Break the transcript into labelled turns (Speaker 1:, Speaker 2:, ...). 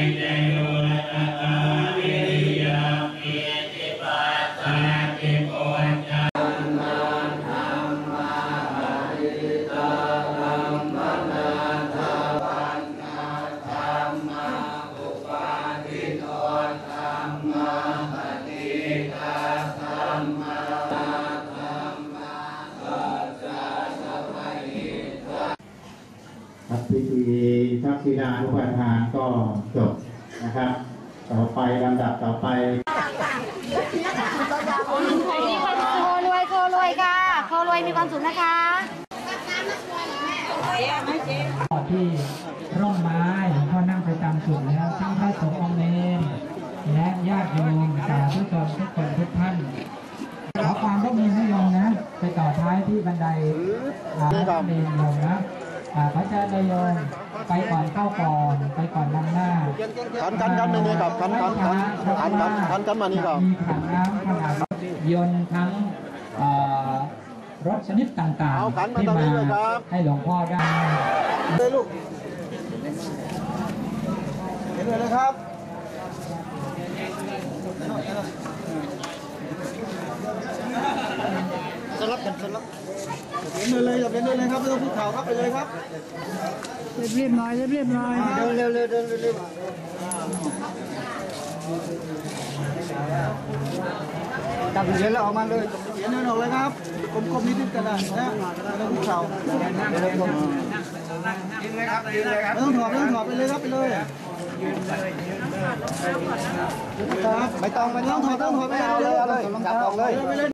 Speaker 1: พิธีทักษิณานุปทานก็จบนะครับต่อไปลำดับต่อไป
Speaker 2: โครวยค่ะโครวยมีความสุขนะคะ
Speaker 3: ที่ร่มไม้หลวงพ่อนั่งไปตามจุดแล้วทั้งพระสงฆ์องค์เนรและญาติโยมสาธุชนทุกคนทุกท่านขอความร่วมมือให้โยมนะไปต่อท้ายที่บันไดเรียนโยมนะพระเจ้าโยมไปก่อนเข้าก่อนไปก่อนนำหน้า
Speaker 4: ขันมานี่ครับขันมานี่ครับ
Speaker 3: มีขันน้ำขนาดยนต์ทั้งรถชนิดต่างๆที่มาให้หลวงพ่อได้
Speaker 4: เลยลูกเห็นเลยครับสลับกันสลับเห็นเลยอย่าเป็นเลยครับไม่ต้องพูดข่าวครับไปเลยครับ
Speaker 2: เรียบร้อยเรียบร้อย
Speaker 4: เร็วจับเหรียญแล้วออกมาเลยเหรียญเดินออกเลยครับกลมๆนิดๆกันนะไม่ต้องพูดข่าวยืนเลยครับยืนเลยครับไม่ต้องถอดไปเลยครับไปเลยไม่ต้องถอดไปเลยจับออกเลย